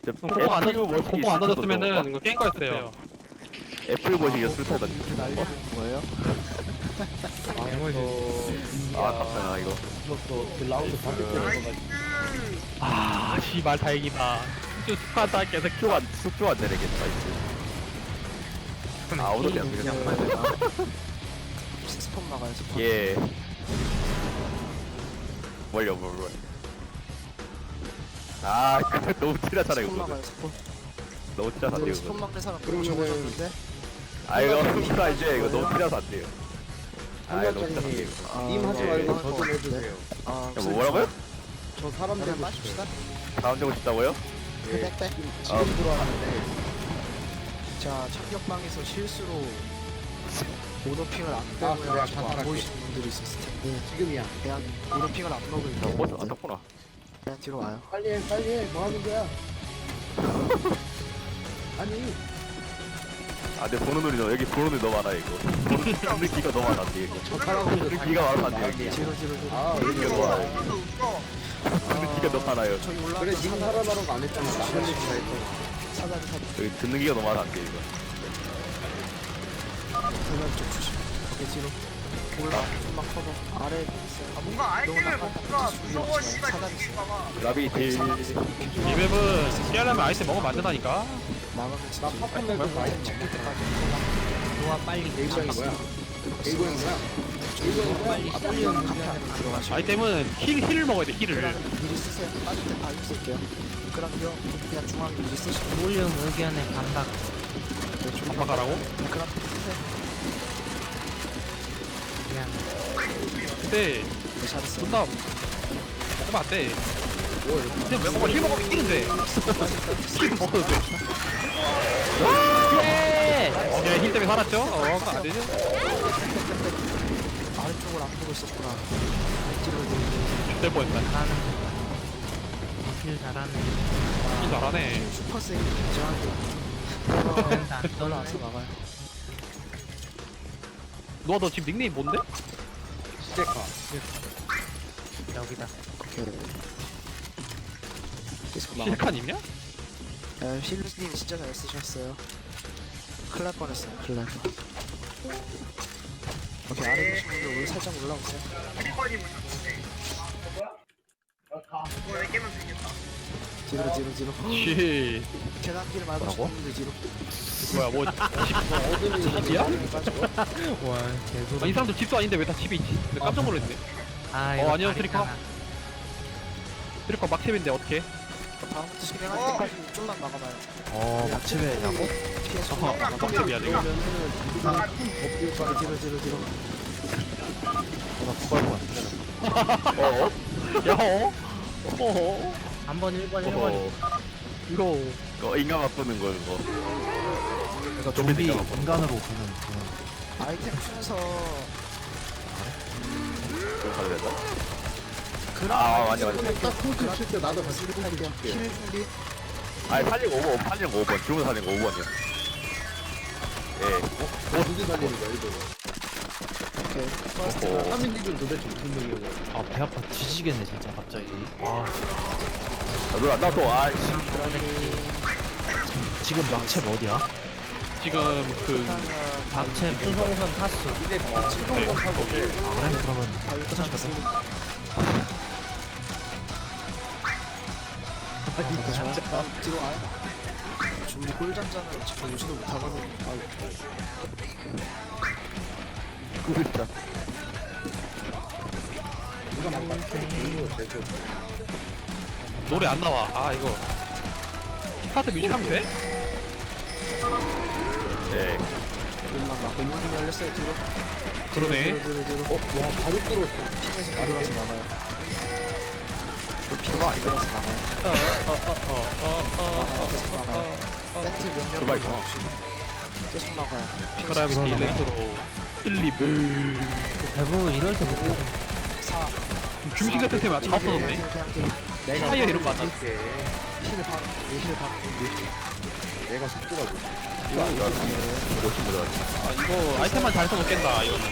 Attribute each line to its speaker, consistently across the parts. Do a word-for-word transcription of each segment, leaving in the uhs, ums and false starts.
Speaker 1: 공포 안 던져 공포 안 던졌으면은 이거 게임 거였어요.
Speaker 2: 애플 버시기가 슬퍼다.
Speaker 3: 날리는 거예요?
Speaker 2: 아, 아깝다, 이거.
Speaker 1: 아 씨발 다행이다. 쭉 스파다 계속
Speaker 2: 숙주 안, 숙주 안 내리겠다, 이제. 아, 오늘 안 되겠다.
Speaker 3: 스폰 막아요 스폰.
Speaker 2: 예. 뭘요, 뭘, 뭘. 아, 그거 너무 티나잖아,
Speaker 3: 스폰
Speaker 2: 이거.
Speaker 3: 막아요 스폰.
Speaker 2: 너무 티나서 안 돼요,
Speaker 3: 스폰
Speaker 2: 이거.
Speaker 3: 막는 사람 너무 적어졌는데?
Speaker 2: 아, 이거 숙주가 이제 이거 너무 티나서 안 돼요. 아, 이거 너무 티나서 안 돼요.
Speaker 3: 아,
Speaker 4: 님 하지
Speaker 3: 네.
Speaker 4: 말고
Speaker 3: 아,
Speaker 4: 저 좀 해주세요.
Speaker 3: 아,
Speaker 2: 야, 뭐, 뭐라고요?
Speaker 4: 저 사람
Speaker 3: 그냥
Speaker 4: 되고
Speaker 3: 빠집시다.
Speaker 4: 싶어요.
Speaker 2: 다음 되고 싶다고요?
Speaker 4: 예.
Speaker 3: 백, 백.
Speaker 4: 지금
Speaker 2: 아.
Speaker 4: 들어왔는데
Speaker 3: 자, 착격방에서 실수로 오더핑을 안
Speaker 4: 아,
Speaker 3: 빼고
Speaker 4: 그래,
Speaker 3: 해가지고 안
Speaker 4: 간단하게.
Speaker 3: 보이시는 분들이 있었을 텐데
Speaker 4: 네, 지금이야.
Speaker 3: 그냥 오더핑을 안 먹을
Speaker 2: 야,
Speaker 3: 때
Speaker 2: 뭐, 안 떴구나.
Speaker 3: 그냥 뒤로 와요.
Speaker 4: 빨리 해, 빨리 해. 뭐 하는 거야? 아니,
Speaker 2: 아, 근데 보는 눈이 너무, 여기 보는 눈이 너무 많아, 이거. 보는 느끼가 너무 많아, 이거.
Speaker 4: 저 사람들
Speaker 2: 느끼가 많으면 안 돼, 여기.
Speaker 3: 뒤로, 뒤로, 뒤로.
Speaker 4: 아,
Speaker 2: 느끼가 너무 많아. 느끼가 너무 많아요.
Speaker 3: 저기 올라가.
Speaker 4: 그래, 님 살아나는 거 안 했잖아. 나머지 다 했잖아.
Speaker 3: 사다리, 사다리.
Speaker 2: 여기 듣는 기가 너무 많아, 안 돼, 이거.
Speaker 3: 대가리 좀 조심. 오케이, 뒤로. 올라, 좀만 커버. 아래 있어요. 아, 뭔가 아이템을 뭔가 무서워, 씨발. 사다리 있어요.
Speaker 2: 라비 딜.
Speaker 1: 이 맵은 피하려면 아이스 먹으면 안 된다니까.
Speaker 3: 나가면서
Speaker 4: 나
Speaker 3: 뒤로.
Speaker 4: 파판맨 좀 많이
Speaker 3: 찍힐 때까지.
Speaker 4: 좋아, 빨리. 일정인 거야? 일정인 거야? 일정인 거야? 아, 빨리 하는
Speaker 3: 카페 안으로 들어가시고.
Speaker 1: 아이템은 힐 힐을 먹어야 돼 힐을.
Speaker 3: 미리 쓰세요. 빠질 때 바로 쓸게요. 그럼요. 그냥 중앙에 미리 쓰시고.
Speaker 5: 볼륨 의견의 감각.
Speaker 3: 네, 좀
Speaker 1: 아빠 가라고?
Speaker 3: 그럼 쓰세요.
Speaker 5: 그냥
Speaker 1: 근데
Speaker 3: 네, 잘했어요.
Speaker 1: 존나 먹으면 안 돼. 그냥 왜 먹어 힐 먹으면 이기는데. 힐 먹어도 돼.
Speaker 5: 예!
Speaker 1: 어, 그냥 힐 때문에 살았죠? 어, 그거 안 되죠?
Speaker 3: 아래쪽을 안 보고 있었구나. 뒤로 뒤로.
Speaker 1: 될 뻔했다.
Speaker 5: 잘하는 길 잘하네.
Speaker 1: 힐 잘하네.
Speaker 3: 슈퍼 세이 인정하고.
Speaker 5: 된다.
Speaker 3: 올라와서 막아요.
Speaker 1: 너너 지금 닉네임 뭔데?
Speaker 4: 스테카.
Speaker 5: 여기다.
Speaker 3: 오케이. 계속 막아.
Speaker 1: 실칸이냐?
Speaker 3: 야, 힐루스님 진짜 잘 쓰셨어요. 큰일 날 뻔했어요. 큰일 날 뻔. 오케이, 아래 계신 분들 오늘 살짝 올라오세요. 뒤로 뒤로 뒤로.
Speaker 1: 씨.
Speaker 3: 계단길 말고
Speaker 1: 뭐라고?
Speaker 3: 분들 뒤로.
Speaker 1: 뭐야 뭐 집이야?
Speaker 5: 와,
Speaker 1: 아, 이
Speaker 5: 개소리.
Speaker 1: 사람들 집도 아닌데 왜 다 집에 있지? 근데 깜짝 놀랐네.
Speaker 5: 아,
Speaker 1: 어, 안녕,
Speaker 5: 다리
Speaker 1: 트리커.
Speaker 5: 하나.
Speaker 1: 트리커 막집인데 어떻게?
Speaker 3: 다음부터 진행할 때까지 좀만 막아봐요.
Speaker 1: 어 막집에냐고?
Speaker 3: 피해서
Speaker 1: 어 막집이야 지금.
Speaker 3: 뒤로 뒤로 뒤로 뒤로.
Speaker 2: 어?
Speaker 1: 야 어? 어?
Speaker 5: 한 번, 일 번, 일 번.
Speaker 2: 어,
Speaker 1: 이거
Speaker 2: 그거 인간 바꾸는 거, 그거.
Speaker 3: 그러니까
Speaker 2: 좀비
Speaker 3: 인간으로 아이템 순서
Speaker 2: 그거 가야 되나?
Speaker 3: 그런
Speaker 2: 아, 맞아, 맞아.
Speaker 4: 딱 콩크 칠때 나도 같이
Speaker 3: 할게요. 힐 준비.
Speaker 2: 아니, 팔零오 번, 팔零오 번. 지금 팔零오 번이요. 예.
Speaker 4: 어디서 달리는 거야, 이거?
Speaker 3: 오케이. 퍼스트.
Speaker 2: 오.
Speaker 4: 삼 인리는 도대체 무슨 능력이야?
Speaker 6: 아, 배 아파 뒤지겠네, 진짜, 갑자기. 아,
Speaker 2: 아, 누나, 나 또, 아, 씨.
Speaker 6: 지금 막채 어디야?
Speaker 1: 지금 그
Speaker 5: 박채 수송선 타수.
Speaker 4: 이제 치동공 타고
Speaker 6: 그래, 그러면.
Speaker 3: 뒤로 와요. 준비 꿀잠자는 지금 오지도 못하거든요.
Speaker 2: 진짜.
Speaker 4: 누가 막판 이거 제조.
Speaker 1: 노래 안 나와. 아 이거 스타트 뮤직 하면 돼?
Speaker 2: 예.
Speaker 3: 눈만 막고 문이 열렸어요. 뒤로.
Speaker 1: 그러네.
Speaker 3: 뒤로 뒤로 뒤로.
Speaker 4: 어, 와, 바로 뚫었어.
Speaker 3: 팀에서 바로 가서 막아요. 그 피가 안 들어서 막아요.
Speaker 1: 어어어어어어
Speaker 3: 계속 막아요. 세트 명령
Speaker 2: 그만 가.
Speaker 3: 계속 막아요.
Speaker 1: 그라비티 일렉트로 일리브.
Speaker 5: 대부분 이럴 때 못해.
Speaker 3: 사.
Speaker 1: 중심 같은 템이 다 없어졌네.
Speaker 3: 그냥 뒤로.
Speaker 4: 내가
Speaker 1: 타이어 이런 거 안
Speaker 4: 할게.
Speaker 3: 힐을 바로. 힐을 바로.
Speaker 4: 내가 속도가 좋아.
Speaker 2: 이거, 이거, 멋진 거다.
Speaker 1: 아 이거 아이템만 잘 써도 깬다 이거는.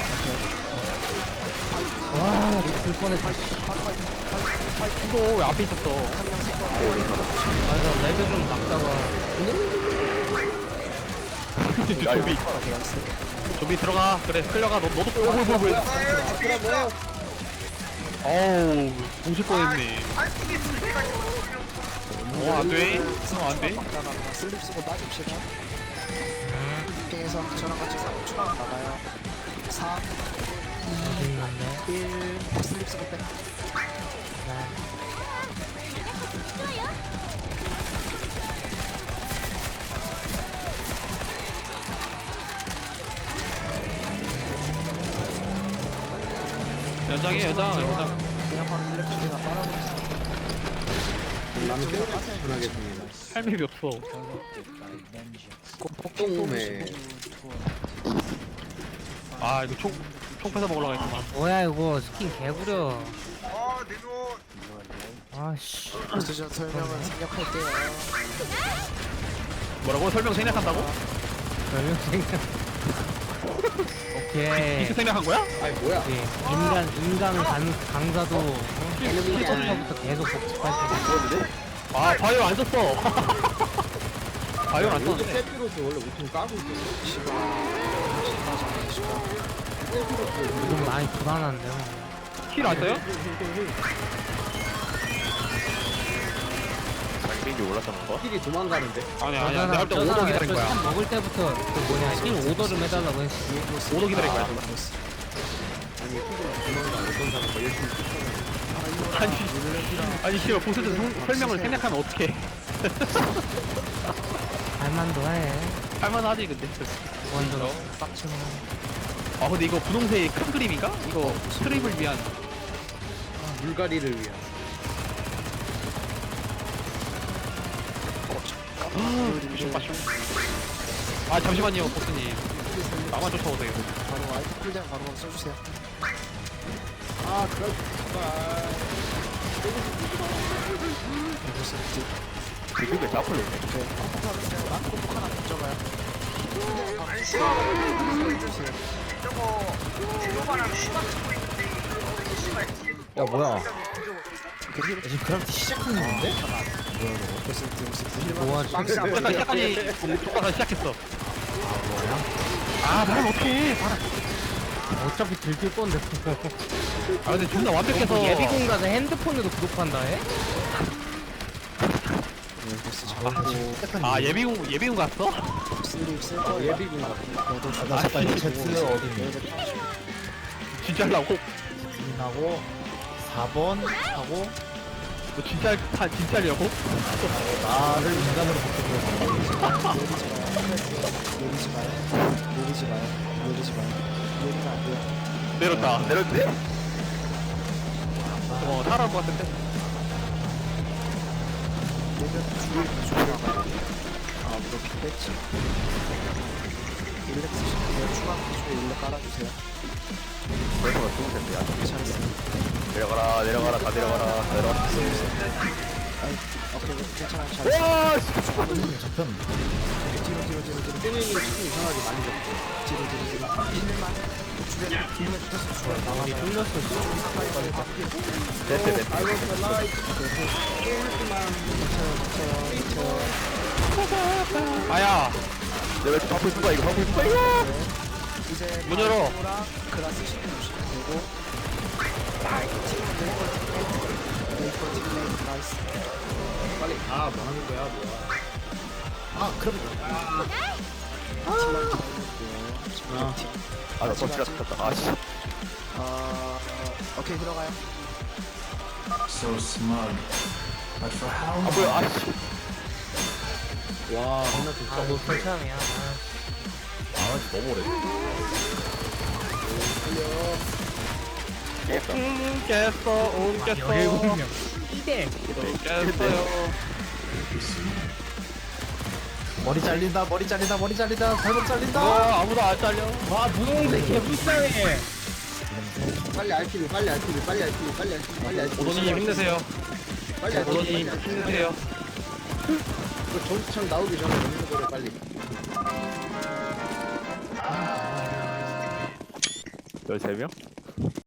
Speaker 5: 와, 미칠 뻔했다.
Speaker 1: 이거 왜 앞에 있었어?
Speaker 5: 아, 이거 발도 좀 막다가
Speaker 2: 야 여기
Speaker 1: 좀비 들어가. 그래 끌려가. 너 너도 끌려. 뭐야 뭐야. 어우 공실 뻔했네. 어 안돼. 어 안돼.
Speaker 3: 막다가 그냥 슬립 쓰고 빠집시다. 게임에서 저랑 같이 사- 추가 나가요. 사,
Speaker 5: 있는데.
Speaker 3: 일, 슬립 쓰고 빼.
Speaker 1: 연장해 연장 연장.
Speaker 3: 그냥 바로 슬립 쓰기가 빨아버렸어.
Speaker 1: 할 맵이 없어.
Speaker 3: 똥오메.
Speaker 1: 아 이거 총, 총 뺏어 먹으려고 했구만.
Speaker 5: 뭐야 이거 스킨 개구려. 아씨.
Speaker 3: 보스전 설명은 생략할게요.
Speaker 1: 뭐라고? 설명 생략한다고?
Speaker 5: 별명 생각. 오케이.
Speaker 1: 비트 생략한 거야?
Speaker 5: 예, 인간 인간 강, 강사도 필터부터 계속 복잡할 때.
Speaker 1: 아 바이오 안 썼어. 바이오 안 썼네.
Speaker 5: 좀 많이 불안한데요.
Speaker 1: 킬 안 써요?
Speaker 2: 장비인지 몰랐던 거?
Speaker 1: 아니야 아니야. 내가 볼때 오도 기다린 거야.
Speaker 5: 참 먹을 때부터 그 뭐냐 힐 오더 좀 해달라고 했어.
Speaker 1: 오도 기다린 거야. 아니 아니 씨발 보스전 성- 설명을 생략하면 어떡해.
Speaker 5: 할만도 해.
Speaker 1: 할만하지 근데.
Speaker 5: 원도 빡치는.
Speaker 1: 아 근데 이거 분홍색의 큰 그림인가? 이거 스트립을 위한.
Speaker 7: 물갈이를 위한.
Speaker 1: 아 잠시만요 보스님. 나만 쫓아오세요.
Speaker 3: 바로 아이템 풀장 바로 바로 써주세요.
Speaker 7: 아, 그럴
Speaker 2: 그게 나폴로 있네.
Speaker 3: 꼭 하나 던져봐요.
Speaker 6: 야 뭐야
Speaker 3: 지금 그라프티 시작한 건데?
Speaker 5: 뭐야
Speaker 1: 잠깐 시작하니 쫓아서 시작했어. 아 말을 어떡해. 말을.
Speaker 5: 어차피 들킬 건데.
Speaker 1: 아 근데 존나 완벽해서.
Speaker 5: 뭐 예비군 가서 핸드폰으로 구독한다 해?
Speaker 1: 아 예비군 예비군 갔어?
Speaker 3: 슬립 쓸 거예요.
Speaker 7: 예비군 같은.
Speaker 6: 나 잠깐 이 제트 어딨니
Speaker 1: 진짜 하려고?
Speaker 6: 하고 사 번 하고
Speaker 1: 너 진짜 다 진짜 하려고?
Speaker 6: 나를 인간으로 바꾸고
Speaker 3: 내리지 마요. 내리지 마요. 내리지 마요. 내리면 안 돼요.
Speaker 1: 내렸다.
Speaker 2: 내렸지?
Speaker 1: 어 살아올 것 같은데.
Speaker 3: 내면 주를 주라고. 아, 그렇게 뺐지. 일렉 쓰시면 추가 기준에 일렉 깔아주세요.
Speaker 2: 벌써가 좋을 텐데. 야.
Speaker 3: 괜찮았어요.
Speaker 2: 내려가라 내려가라 다 내려가라 내려가.
Speaker 3: 아이, 오케이, 괜찮아요. 잘했어요.
Speaker 2: 와
Speaker 6: 잡혔는데
Speaker 3: 뒤로, 뒤로, 뒤로, 뒤로.
Speaker 7: 땡땡이 조금 이상하게 많이 잡고.
Speaker 3: 뒤로, 뒤로, 뒤로. 힐만. 주변에 힐만 붙었어. 좋아요.
Speaker 5: 나가기 뚫렸어.
Speaker 2: 됐대 됐대.
Speaker 7: I want the light.
Speaker 1: 아야
Speaker 2: 내가 이렇게 바꾸 있는 거야 이거 바꾸 있는 거야 이거.
Speaker 3: 이제
Speaker 1: 문 열어.
Speaker 3: 가이드랑 그라스 시켜 주시면 되고. 나이스.
Speaker 7: 빨리 가. 뭐 하는 거야, 뭐야. 아, 그럼. 아,
Speaker 2: 아나 또 지가 쳤다. 아씨.
Speaker 3: 어, 오케이 들어가요.
Speaker 2: 아 뭐야 아씨.
Speaker 7: 와, 겁나 좋다.
Speaker 5: 아너 괜찮이야.
Speaker 6: 아 너무 오래
Speaker 1: 음 깼어 음 깼어
Speaker 5: 이대.
Speaker 1: 깼어요.
Speaker 6: 머리 잘린다 머리 잘린다 머리 잘린다 발목 잘린다
Speaker 1: 와 아무도 안 잘려.
Speaker 5: 와 무공대 개불쌍해.
Speaker 7: 빨리 알티비, 빨리 알티비, 빨리 알티비, 빨리 알티비, 빨리 알티비.
Speaker 1: 오도님 힘내세요.
Speaker 7: 빨리 알티비.
Speaker 1: 오도님 힘내세요.
Speaker 7: 그 전투창 나오기 전에 먹는 거래, 빨리.
Speaker 2: 열세 명?